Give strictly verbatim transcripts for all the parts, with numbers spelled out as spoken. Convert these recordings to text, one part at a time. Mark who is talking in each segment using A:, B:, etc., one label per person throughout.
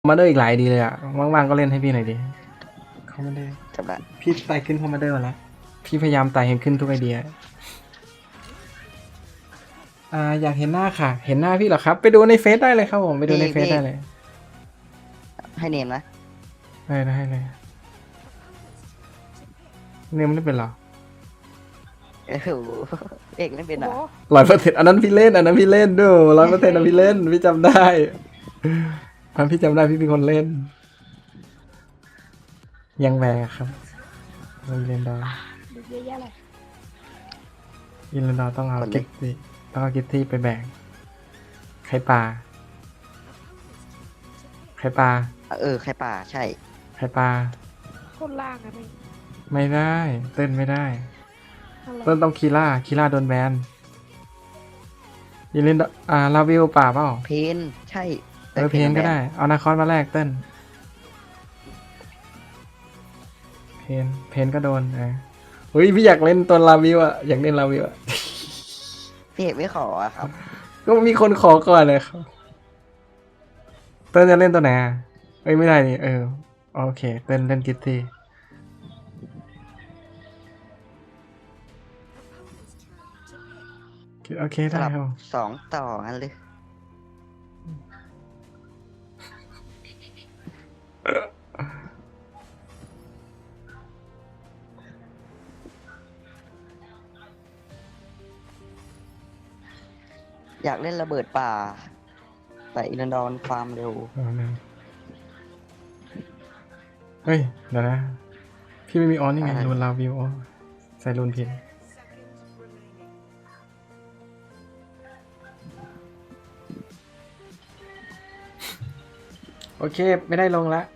A: มาเดอร์อีกหลายดีเลยอ่ะว่างๆก็เล่นให้พี่หน่อยดิคอมมานเดอร์
B: จำได้
A: พี่ไต่ขึ้นคอมมานเดอร์มาแล้วพี่พยายามไต่เห็นขึ้นทุกไอเดียอ่าอยากเห็นหน้าค่ะ เห็นหน้าพี่เหรอครับไปดูในเฟซได้เลยครับผมไปดูในเฟซได้เลย
B: ให้เนมนะ
A: ได้ได้เลยเนี่ยมันไม่เป็นหรอ
B: โอ้โหเอกไม่เป็นอ่ะ
A: ร้อยเปอร์เซ็นต์อันนั้นพี่เล่นอันนั้นพี่เล่นด้วยร้อยเปอร์เซ็นต์อันพี่เล่นพี่จำได้อันพี่จำได้พี่เป็นคนเล่น ยังแวร์ครับอินเลนดอร์
C: ดูเยอะแยะเลย
A: อินเลนดอร์ต้องเอาเก็ตตี้ต้องเอาเก็ตตี้ไปแบ่งไข่ปลาไข่ปลา
B: เออใครป่าใช่
A: ไข่ปลา
C: คนล่างอะพี่
A: ไม่ได้เต้นไม่ได้
C: อะไร
A: เต้นต้องคีล่าคีล่าโดนแบนอินเลนดอร์อ่าลาวิวป่าเปล่า
B: เพนใช่
A: เออเพนก็ได้เอานาคอนมาแลกเต้นเพนเพนก็โดนเออเฮ้ยพี่อยากเล่นตัวลาวิวอะอยากเล่นลาวิวอะ
B: พี่เอกไม่ขออะครับ
A: ก็มีคนขอก่อนเลยครับเต้นจะเล่นตัวไหนอ่ะเอ้ยไม่ได้นี่เออโอเคเต้นเล่นกิตตี้โอเค
B: ส
A: ได้
B: ลับ
A: ครับ
B: สองต่อกันเลยอยากเล่นระเบิดป่า แต่อินดอนฟาร์มเร็ว
A: เอาหนึ่งเฮ้ยเดี๋ยวนะพี่ไม่มีออนนี่ไง
B: อะไร
A: รูนลาวิวอ๋อใส่รูนผิดโอเคไม่ได้ลงละ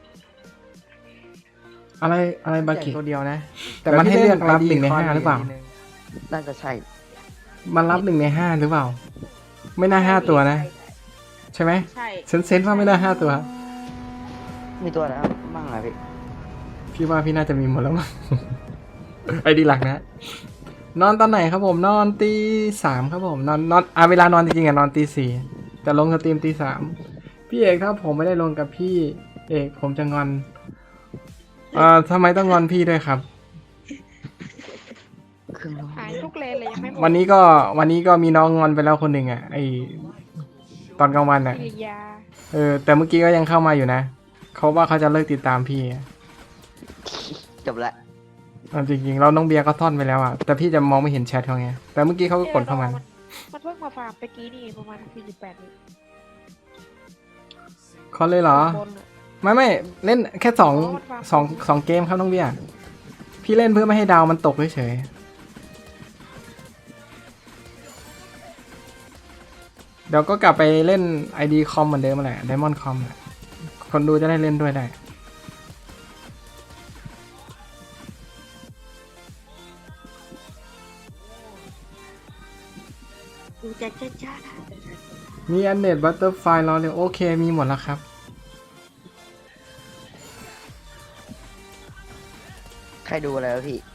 A: อะไรอะไรบากิตัวเดียวนะ แต่มันให้เลือกรับหนึ่งในห้าหรือเปล่า
B: น่าจะใช่
A: มันรับหนึ่งในห้าหรือเปล่า ไม่น่าห้าตัวนะ ใช่ไหม
C: ใช่
A: เซนเซนว่าไม่น่าห้าตัว
B: มีตัวแล้วบ้างอะพี่
A: พี่ว่าพี่น่าจะมีหมดแล้วมั้ง ไอดีหลักนะ นอนตอนไหนครับผม นอนตีสามครับผม นอนนอนอ่ะเวลานอนจริงๆอ่ะนอนตีสี่แต่ลงสตรีมตีสามพี่เอกถ้าผมไม่ได้ลงกับพี่เอกผมจะงอนเอ่อทำไมต้องงอนพี่ด้วยครับ
B: เครื่องร้อน
C: หายทุกเลนเลยยังไม่หมด
A: วันนี้ก็วันนี้ก็มีน้องงอนไปแล้วคนหนึ่งอ่ะไอตอนกลางวันอ่ะ
C: กิริยา
A: เออแต่เมื่อกี้ก็ยังเข้ามาอยู่นะเขาว่าเขาจะเลิกติดตามพี่อะ
B: จบละ
A: เอาจริงๆเราน้องเบียร์ก็ท่อนไปแล้วอ่ะแต่พี่จะมองไม่เห็นแชทเขาไงแต่เมื่อกี้เขาก็กดเข้ามา
C: มันมันเพิ่งมาฟาร์มตะกี้นี่ประมาณสี่สิบแปดวิ
A: เขาเลยเหรอ
C: บนอะ
A: ไม่ไม่เล่นแค่สอง
C: อ๋อมันวาง
A: สองสองเกมครับน้องเบียร์พี่เล่นเพื่อไม่ให้ดาวมันตกเฉยๆเดี๋ยวก็กลับไปเล่น ไอ ดี คอมเหมือนเดิมแหละ Diamond คอมแหละคนดูจะได้เล่นด้วยได้
C: ดูจ้าจ้าจ้า
A: มีอันเน็ตบัตเตอร์ไฟรอเลยโอเคมีหมดแล้วครับ
B: ใครดูอะไรวะพี่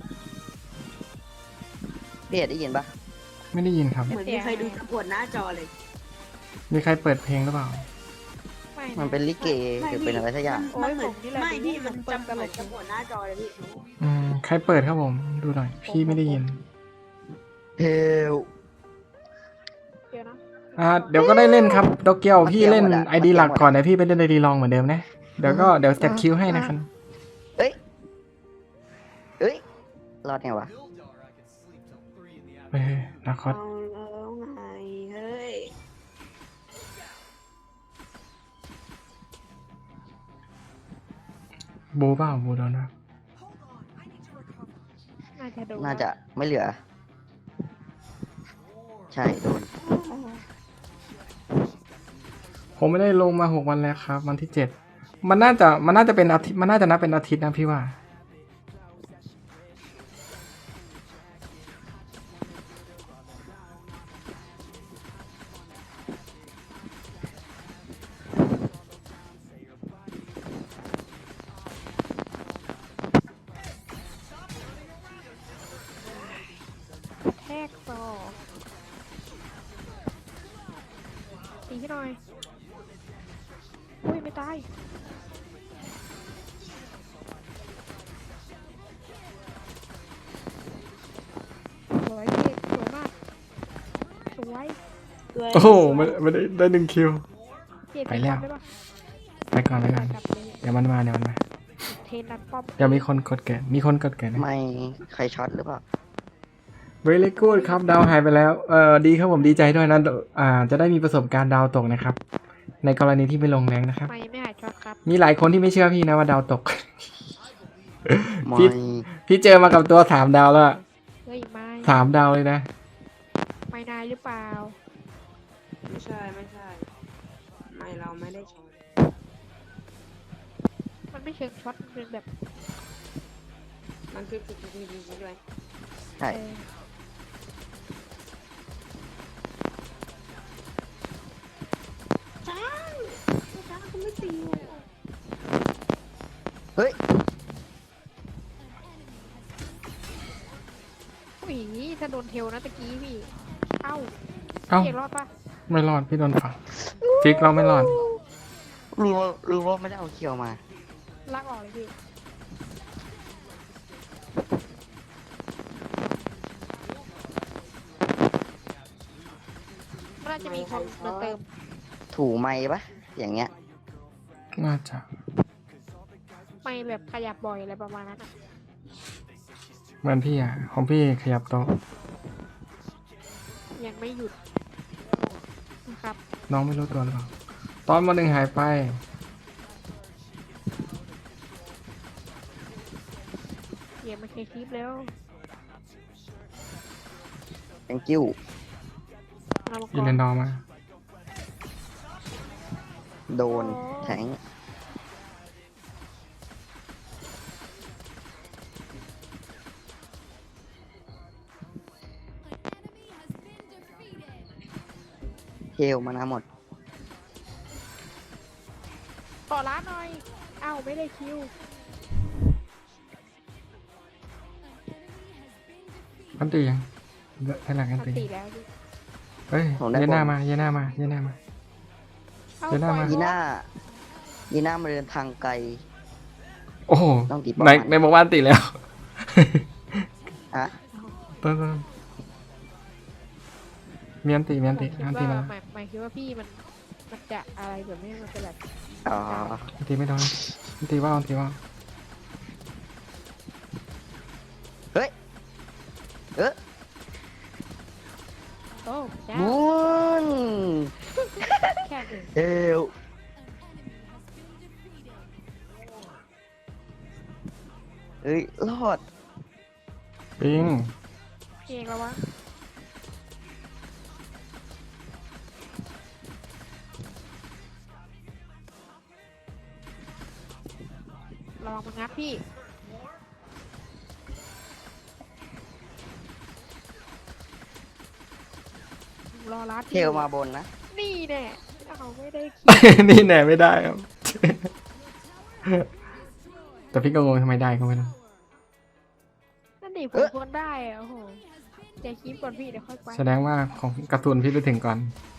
B: พี่เอกได้ยินปะ
A: ไม่ได้ยินครับ
D: เหมือนมีใครดูตะกวดหน้าจอเลย
A: มีใครเปิดเพลงหรือเปล่า
C: ไม่
B: มันเป็นลิเก
D: ไม่
B: หรือเป็นอะไรสักอย่าง
D: มันเหมือน
C: ผมนี่แหละ
D: ไม่พี่
C: มั
D: มัน น
C: เปิด
D: จำ
C: ตล
D: เหมือน
C: ก
D: ตะกวดหน้าจอเลยพี่
A: อืมใครเปิดครับผมดูหน่อยพี่ไม่ได้ยิน
B: เฮล
C: เดี๋ยวนะ
A: อ่าเดี๋ยวก็ได้เล่นครับโตเกียว
B: มาเกี่ยว
A: พี่เล่น
B: หมดอะ
A: ไอดี
B: มาเกี่ยว
A: หลัก
B: หมดอะ
A: ก่อนเดี๋ยวพี่ไปเล่นไอดีลองเหมือนเดิมนะเดี๋ยวก็เดี๋ยวสเต็ปคิวให้นะครับ
B: เอ้ยเอ้ยรอดไงวะ
A: เฮ้ยนาคอส
D: เอาแล้วไงเฮ้ย
A: บูเปล่าบูโดนนะ
C: น่าจะดู
B: น่าจะไม่เหลือ ใช่โดน
A: ผมไม่ได้ลงมาหกวันแล้วครับวันที่เจ็ดมันน่าจะมันน่าจะเป็นอาทิตย์มันน่าจะนับเป็นอาทิตย์นะพี่ว่า
C: แทกซอตีให้หน่อยอุ้ยไม่ไม่ตายสวยพี่สวยมากสวย
D: ด้วย
A: โอ้โหไม่ไม่ได้ได้หนึ่งคิว
C: พี่
A: ไปแล้ว
C: ได้ปะ
A: ไปก่อนไปก่อน
C: กลับเลย
A: เดี๋ยวมันมาเดี๋ยวมันมา
C: เทนนันป้อม
A: เดี๋ยวมีคนกดเกิดมีคนกดเกิดนะ
B: ไม่ใครช็อตหรือเปล่า
A: very good ครับดาวหายไปแล้วเออดีครับผมดีใจด้วยนะอ่าจะได้มีประสบการณ์ดาวตกนะครับ ในกรณีที่ไม่ลงแรงนะครับ
C: ไม่ไม่หายช็อตครับ
A: มีหลายคนที่ไม่เชื่อพี่นะว่าดาวตก
B: ไม่
A: พี่ พี่เจอมากับตัวสามดาวแล้วอะ
C: เฮ้ยไม่
A: สามดาวเลยนะ
C: ไม่นายหรือเปล่า
D: ไม่ใช่ไม่ใช่ ไม่เราไม่ได้ช็อต
C: มันไม่เชิงช็อตมันเป็นแบบ
D: มันคือคือคือคือคือด้วย
B: ใช่
C: เออ
D: จ้าจ้าเขาไม่ตีอยู่
B: เฮ้ย
C: ผู้หญิงนี้ถ้าโดนเทลนะตะกี้พี่ เอ้า
A: เอ้า
C: พี่เอกรอดปะ
A: ไม่รอดพี่โดนฝังฟิกเราไม่รอด
B: รู้ว่ารู้ว่าไม่ได้เอาเคียวมา
C: ลากออกเลยพี่ มันน่าจะมีคนมาเติม
B: ถูไม้ปะอย่างเงี้ย
A: น่าจะ
C: ไม่แบบขยับบ่อยอะไรประมาณนั้นอะ
A: เหมือนพี่อ่ะของพี่ขยับโต๊ะ
C: ยังไม่หยุดนะครับ
A: น้องไม่รู้ตัวหรือเปล่าตอนมาหนึ่งหายไป
C: เดี๋ยวมาเคลียร์คลิปแล้ว
B: thank you
C: เรามา
A: อิ
C: ก่
A: น
C: อ
A: เล
C: น
A: นดอร์มา
B: โดนแทงเทลมานะหมด
C: ต่อร้านหน่อย เอ้าไม่ได้คิว
A: อันตียังแค่หลังอัน
C: มัน
A: ตี
C: ตีแล้วดิ
A: เฮ้ย
B: ผมได้
A: เยน่า
B: บอล
A: มาเยน่ามาเยน่ามา
C: เอ้า
A: เดี๋ยวหน้า
C: ปล่อย
A: มา
B: ยี
C: โด
B: น่ายีน่ามาเดินทางไกล
A: โอ้โห
B: ต้องตีป้อม
A: ใน
B: มัน
A: ในบอกว่าอันตีแล้ว
B: อะ
A: ต้นต้นมีอันตีมีอันตี
C: ผมคิด
A: อันตี
C: ว่า
A: มา
C: หมายหมายคิดว่าพี่มันมันจะอะไรแบบนี้มันจะแบบ
B: อ๋อ
A: อันตีไม่โดนอันตีว่าอันตีว่า
B: เฮ้ย เอ๊ะ
C: โอ้จ้า
B: มุน
C: แค่หนึ่ง
B: เอวเอ้ย รอด
A: ปิง
C: เองแล้ววะลองมางัดพี่รอรัด
B: เทลมาบนนะ
C: นี่แน่เอาไม่ได้คิว
A: นี่แหน่ไม่ได้ครับ แต่พี่ก็งงทำไมได้ก็ไม่รู้
C: นั่นดิผมควรได้อะโอ้โหใจคลิปก่อนพี่เดี๋ยวค่อยไป
A: แสดงว่าของการ์ตูนพี่ไปถึงก่อน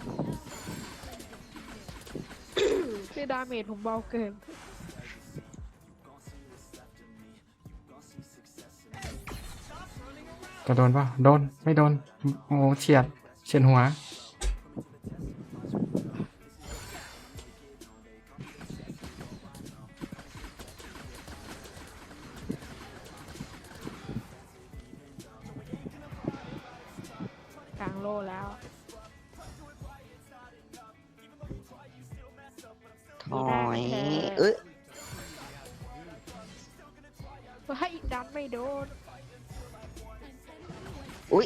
C: คือดาเมจผมเบาเกิน
A: จะโดนป่ะโดนไม่โดนโอ้โหเฉียดเฉียดหัว
C: กลางโลแล้ว
B: ถอย เอ้ย
C: ให้ดันไม่โดน
B: อุ้ย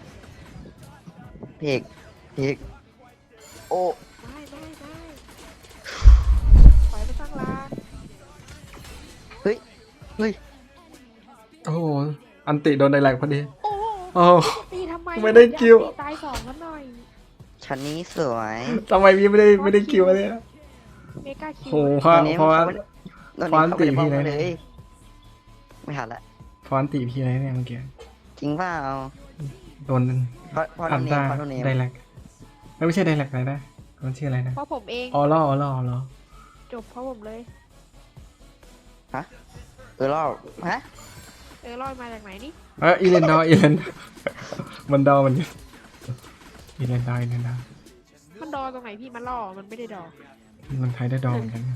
B: เพกเพกโอ้
C: ไม่ไม่ไม่ปล่อยไปตั้งร้าน
B: เฮ้ย เฮ้ย
A: โอ้โหอันติโดนไดแลกพอดี
C: โอ้โห
A: โอ้โห
C: ตีทำไม
A: ไม่ได้คิว
C: ตีตายสองกันหน่อย
B: ชั้นนี้สวย
A: ทำไมพี่ไม่ได้ไม่ได้คิวเลยอะ
C: เมกาคิว
A: โอ้โหเพราะ
B: ตอนนี้
A: เพราะว่า
B: ตอน
A: ฟอน
B: นี้
A: ต์
B: เขาไม่ได้
A: ตี
B: ป้อง
A: พี่
B: กัน
A: เล
B: เลย ย ไม่ทันละ
A: เพราะอันติพี่อะไรเนี่ยเมื่อกี้
B: จริงเปล่า
A: โดน
B: เพราะเพราะ
A: อั
B: โน
A: น
B: เน
A: ตาม
B: เพราะโนเนม
A: ไดแลกไม่ใช่ไดแลกอะไรนะมันชื่ออะไรนะ
C: เพราะผมเอง
A: ออล่อออล่อออล่อ
C: จบเพราะผมเลย
B: ฮะเออรอบฮะ
C: เออลอยมาจากไหนนี่
A: เอออีเลนดอร์อีเลนดอร์มันดอมันอีเลนดอร์อีเลนดอร์
C: มันดอตรงไหนพี่มันล่อมันไม่ได้ดอ
A: มันใช้ได้ดอเหมือนกัน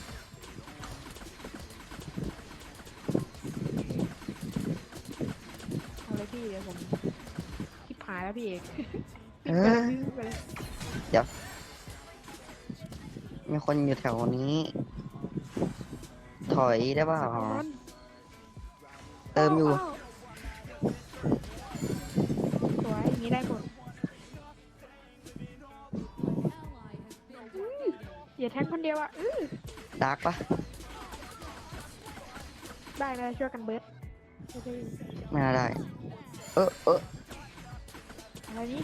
C: เอาเลยพี่เดี๋ยวผมคิดหายแล้วพี่เอก
B: เออ
C: ไปเลย
B: มีคนอยู่แถวนี้ ถอยได้เปล่า เติมอยู่
C: สวยอย่างนี้ได้หมดอื้ออย่าแทงคนเดียวอ่ะอื้อ
B: ดาร์กปะ
C: ได้เลยช่วยกันเบิร์ดไม่ได้
B: ไม่น่าได้ เออเออ
C: อะไรนี่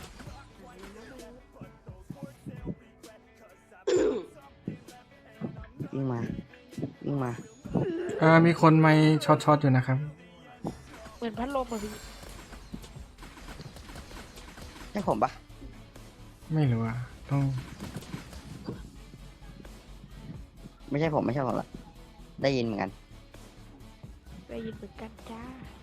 B: วิ่งมาวิ่งมา
A: อ่ามีคนไม่ช็อตช็อตอยู่นะครับ
C: เหมือนพัดลมอ่ะพี่
B: ใช่ผมปะ
A: ไม่รู้อ่ะต้อง
B: ไม่ใช่ผมไม่ใช่ผมละได้ยินเหมือนกัน
C: ได้ยินเหมือนกันจ้า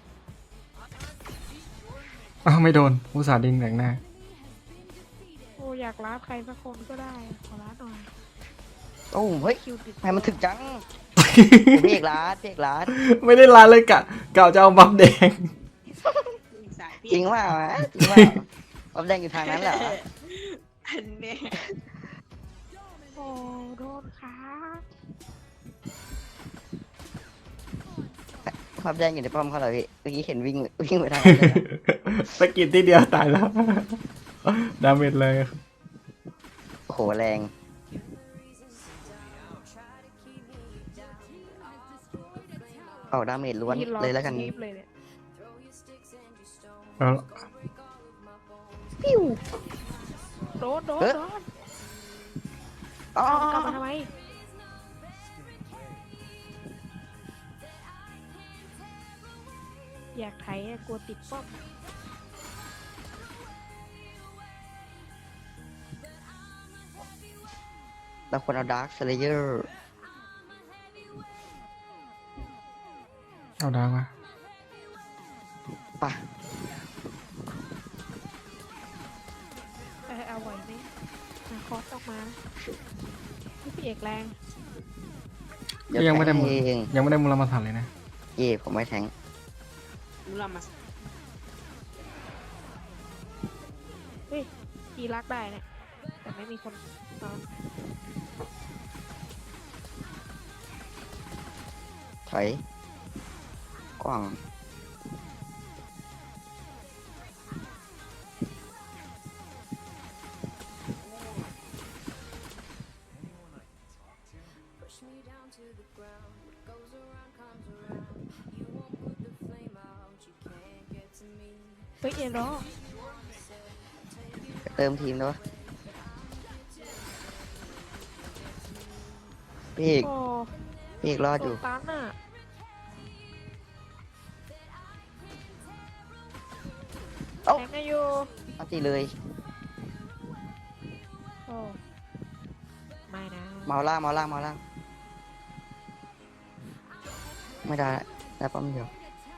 A: อ้าวไม่โดนอุตส่าห์ดิงแต่งหน้า
C: โอ้อยากรับใครสักคนก็ได้ขอรับหน่อย
B: โอ้เฮ้ย
C: คิวติด
B: ทำไมมันถึกจังพี่เอกร้านพี่เอกร้าน
A: ไม่ได้ลาเลยกะกะจะเอาบัฟแดง
D: สายพี่
B: จริงว่าจริงว่าผมแดงอยู่ทางนั้นเหรอ
D: อันเนี้ย
C: โอ้โดนขา
B: ความแดงอยู่ในป้อมเขาเหรอพี่เมื่อกี้เห็นวิ่งวิ่งไปทางนั้นเลยนะ
A: สกิดที่เดียวตายแล้ว ดาเมจเลย
B: โอ้โหแรงเอาดาเมจล้วน
C: พี่รอ
B: เลยแล้วกัน
C: คลิปเลยเนี่ย
A: เอา
C: ปิ้วโดนโดน
B: เอ๊ะ
C: โดน
B: อ๋อก
C: ลับมาทำไมอยากไถอะกลัวติดป้อม
B: เราควรเอาดาร์คสเลเยอร์
A: เอาดาวมา
B: ป่ะ
C: เออเอาไหวไหมมาคอสออกมาพี่เอกแรง
B: เดี๋ยว
A: ยังไม่ได้
B: แท
A: มู
B: งเอง
A: ยังไม่ได้มูลมาสันเลยนะ
B: เย่ผมไม่แทง
D: รู้เรามา
C: เฮ้ยตีรักได้เนี่ยแต่ไม่มีคนตอน
B: ถอยกว้าง
C: เฮ้ยเอ็นรอ
B: เติมทีมด้วยพี่เอก
C: โอ้
B: พี่เอกรอด
C: โด
B: อยู่
C: นตันอ่ะ
B: เอ้า
C: แทงกันอยู่
B: เอาตีเลย
C: โอ้ไม่นะ
B: เมาล่างเมาล่างเมาล่าง ไม่ได้ได้ป้อมเดียว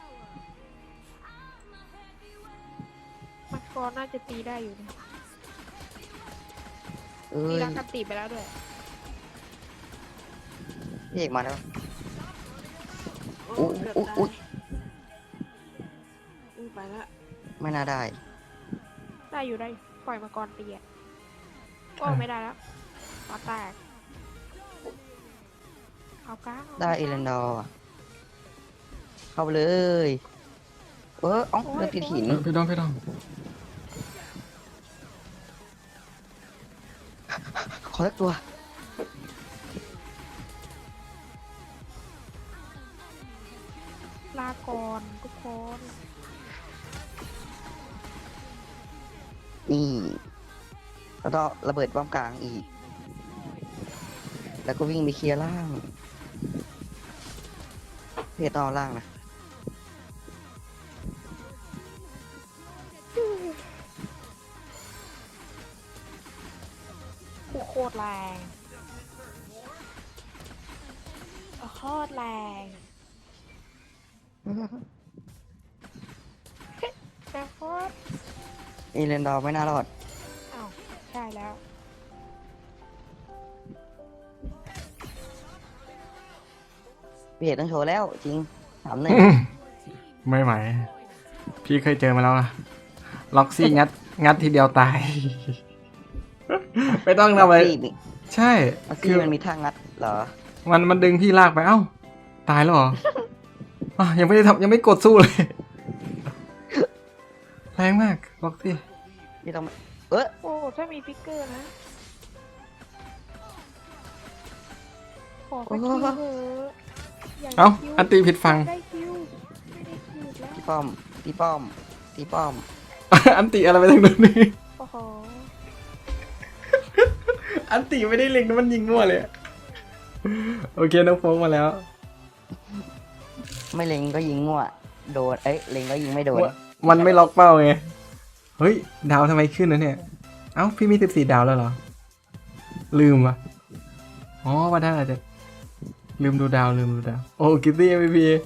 C: มังกรน่าจะตีได้อยู่นะ
B: เอ้
C: ตี
B: ย
C: รักกันตีไปแล้วด้วย
B: พี่เอกมาแล้ว
D: โอ้
B: อุ๊ย
D: เกือบ
B: อุ๊ย
D: ตายอุ้ยไปละ
B: ไม่น่าได้
C: ได้อยู่ได้อยู่ปล่อยมังกรตีอ่ะโอ้
A: อ่ะ
C: ไม่ได้แล้วปาแตกเอาก้าง
B: ได้เอเลนดอร์อะเข้าไปเลยเออเอ้าเลือดติดหิน
A: เออพี่ดองพี่ดอง
B: ขอสักตัว
C: ลาก่อนทุกคน
B: นี่ แล้วก็ระเบิดป้อมกลางอีก แล้วก็วิ่งไปเคลียร์ล่างเพจต่อล่างนะ
C: ผู้โคตรแรงโคตรแรงนะโคตร
B: อีเลนดอร์ไม่น่ารอด
C: อ้าวใช่แล้ว
B: พี่เอกต้องโชว์แล้วจริงถามหนึ่ง
A: ไม่ไหวพี่เคยเจอมาแล้วอะล็อกซี่งัดงัดทีเดียวตาย ไม่ต้องทำอะไร
B: ล็อกซี่มี
A: ใช่
B: ล็อก
A: คื
B: ซี่
A: อ
B: มันมีท่างัดเหรอ
A: มันมันดึงพี่ลากไปเอ้าตายแล้วเหรอ อ่ะยังไม่ได้ทำยังไม่กดสู้เลย แรงมากล็อกซี่
B: พี่ต้องเออ
C: โอ้ถ้ามีฟิกเกอร์นะ ขอสักคิวเถอะอยากได้
A: เอ้า
C: คิว
A: อันตีผิดฟัง
C: ได้คิวไม่ได้คิวอีกแล้ว
B: พี่ป้อมพี่ป้อมพี่ป้อม
A: อันติอะไรไปทางนู้นนี่
C: โอ้โห
A: อันติไม่ได้เล็งนะมันยิงมั่วเลยอะโอเคน้องโฟกมาแล้ว
B: ไม่เล็งก็ยิงมั่วโดนเอ้ยเล็งก็ยิงไม่โดน
A: มันไม่ล็อกเป้าไง เฮ้ย ดาวทำไมขึ้นนะเนี่ย เอ้า พี่มีสิบสี่ดาวแล้วเหรอ ลืมอ่ะ อ๋อว่าได้อาจจะลืมดูดาวลืมดูดาว โอ้กิตตี้ เอ็ม วี พี